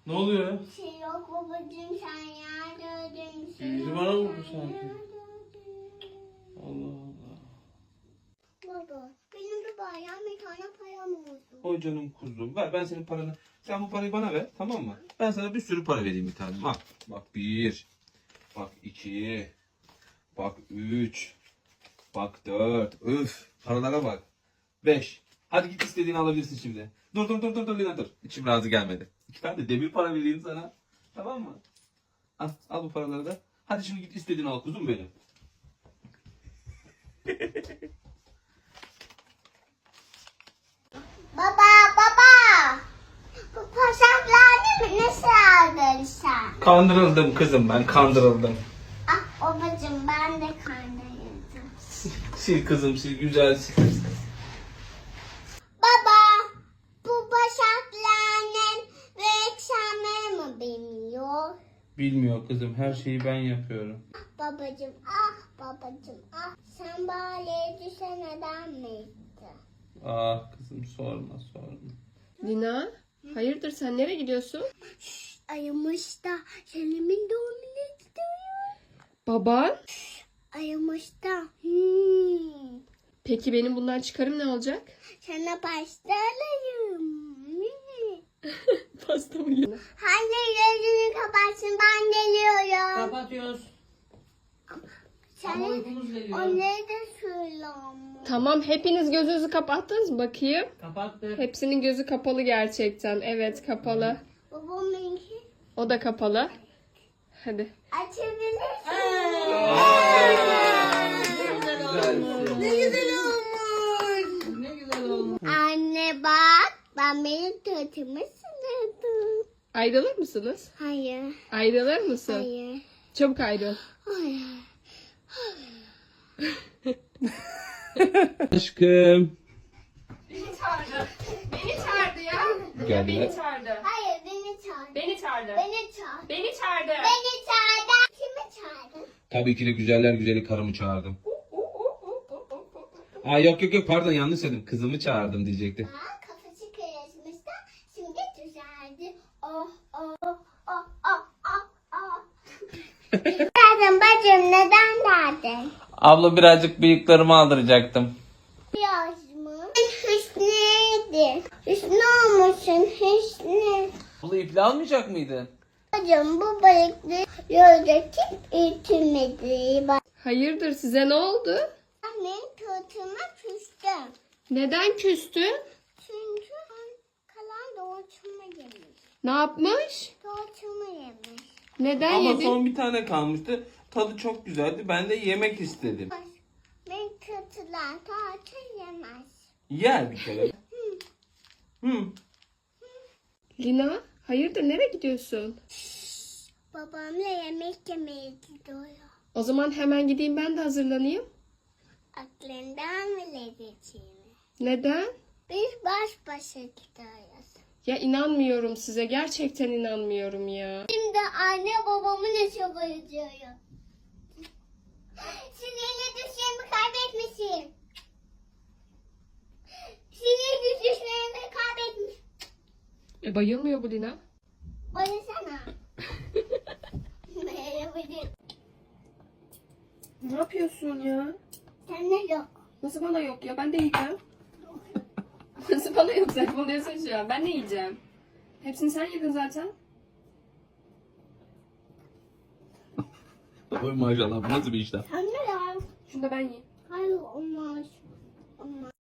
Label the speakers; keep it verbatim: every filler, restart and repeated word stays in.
Speaker 1: Ne oluyor ya?
Speaker 2: Bir şey yok babacığım, sen yerdin. Şey
Speaker 1: Yüzü
Speaker 2: yok,
Speaker 1: bana vurdu
Speaker 2: sen
Speaker 1: sanki.
Speaker 2: yerdin.
Speaker 1: Allah Allah.
Speaker 2: Baba benim de bayram bir tane param oldu.
Speaker 1: O canım kuzum. Ver ben senin paranı. Sen bu parayı bana ver, tamam mı? Ben sana bir sürü para vereyim bir tane. Bak. Bak bir. Bak iki. Bak üç. Bak dört. Üf. Paralara bak. Beş. Hadi git istediğini alabilirsin şimdi. Dur dur dur dur dur Lina dur. İçim razı gelmedi. İki tane de demir para vereyim sana. Tamam mı? Al, al bu paraları da. Hadi şimdi git istediğini al kuzum benim.
Speaker 2: Baba baba. Bu pasaklarını nasıl aldın sen?
Speaker 1: Kandırıldım kızım ben, kandırıldım.
Speaker 2: Ah babacığım, ben de kandırıldım.
Speaker 1: Sil kızım sil, güzel sil.
Speaker 2: Baba bu pasaklarının reklamı mı bilmiyor?
Speaker 1: Bilmiyor kızım, her şeyi ben yapıyorum.
Speaker 2: Babacığım ah babacığım ah, sen bari düşeneden miydin?
Speaker 1: Ah kızım sorma sorma.
Speaker 3: Lina, hayırdır sen nereye gidiyorsun?
Speaker 2: Ayımış da Selim'in doğumuna gidiyor.
Speaker 3: Baban?
Speaker 2: Ayımış da. Hmm.
Speaker 3: Peki benim bundan çıkarım ne olacak?
Speaker 2: Sana pasta alayım.
Speaker 3: Pasta mı yiyorsun?
Speaker 2: Hadi gözünü kapatsın, ben geliyorum.
Speaker 4: Kapatıyoruz.
Speaker 2: Sen
Speaker 4: Ama uykumuz geliyor.
Speaker 2: onları da söyle ama.
Speaker 3: Tamam, hepiniz gözünüzü kapattınız mı bakayım?
Speaker 4: Kapattık.
Speaker 3: Hepsinin gözü kapalı gerçekten. Evet, kapalı.
Speaker 2: Babamınki
Speaker 3: O da kapalı. Hadi.
Speaker 2: açabilirsin.
Speaker 4: Ne güzel olmuş. Ne güzel olmuş.
Speaker 2: Anne bak, ben benim tırtımı sınırdım.
Speaker 3: Ayrılır mısınız?
Speaker 2: Hayır,
Speaker 3: Ayrılır mısın?
Speaker 2: hayır,
Speaker 3: Çabuk ayrıl.
Speaker 2: hayır.
Speaker 1: Aşkım.
Speaker 3: Beni çağırdı. Beni çağırdı ya.
Speaker 1: Geldiler.
Speaker 3: çağırdı.
Speaker 2: Hayır, beni çağır.
Speaker 3: Beni çağırdı.
Speaker 2: Beni çağır.
Speaker 3: Beni çağırdı.
Speaker 2: Beni çağırdı. Kimi çağırdın?
Speaker 1: Tabii ki de güzeller güzeli karımı çağırdım. Aa yok yok yok pardon yanlış söyledim. Kızımı çağırdım diyecektim.
Speaker 2: Aa, kafası kırışmış da şimdi düzeldi. Oh oh oh oh oh oh. Derdin bacım, neden derdin?
Speaker 1: Abla birazcık bıyıklarımı aldıracaktım.
Speaker 2: Biraz mı? Hüsnü'ydü. Hüsnü olmuşsun, Hüsnü.
Speaker 1: Abla iple almayacak mıydın?
Speaker 2: Bacım bu balıklı yoldaki ütümedi. Bak,
Speaker 3: Hayırdır size ne oldu?
Speaker 2: annem tırtıma küstüm.
Speaker 3: Neden küstün?
Speaker 2: Çünkü kalan doğuşumu yemiş.
Speaker 3: Ne yapmış?
Speaker 2: Doğuşumu yemiş.
Speaker 3: Neden
Speaker 1: Ama
Speaker 3: yedin?
Speaker 1: son bir tane kalmıştı. Tadı çok güzeldi. Ben de yemek istedim.
Speaker 2: Ben kötüler tatil yemez.
Speaker 1: Yer bir kere. Hı.
Speaker 3: Lina, hayırdır nereye gidiyorsun?
Speaker 2: Babamla yemek yemeye gidiyor.
Speaker 3: O zaman hemen gideyim ben de hazırlanayım.
Speaker 2: Aklından bile geçeyim.
Speaker 3: Neden?
Speaker 2: Biz baş başa gidiyoruz.
Speaker 3: Ya inanmıyorum size. Gerçekten inanmıyorum ya.
Speaker 2: Şimdi anne babamı ne çabalıyorum. Sinirli düşlerimi kaybetmişim. Sinirli düşlerimi kaybetmiş.
Speaker 3: E, bayılmıyor bu Lina.
Speaker 2: Oynasana. Merhaba.
Speaker 3: Ne yapıyorsun ya?
Speaker 2: Sende yok.
Speaker 3: Nasıl bana yok ya? Ben de yiyeceğim. Nasıl bana yok? Saçmalıyorsun şu an. Ben de yiyeceğim. Hepsini sen yedin zaten.
Speaker 1: Oy maşallah bu nasıl bir işlem?
Speaker 2: Sende yok.
Speaker 3: Şunu da ben yiyeyim.
Speaker 2: Hayır olmaz. Olmaz.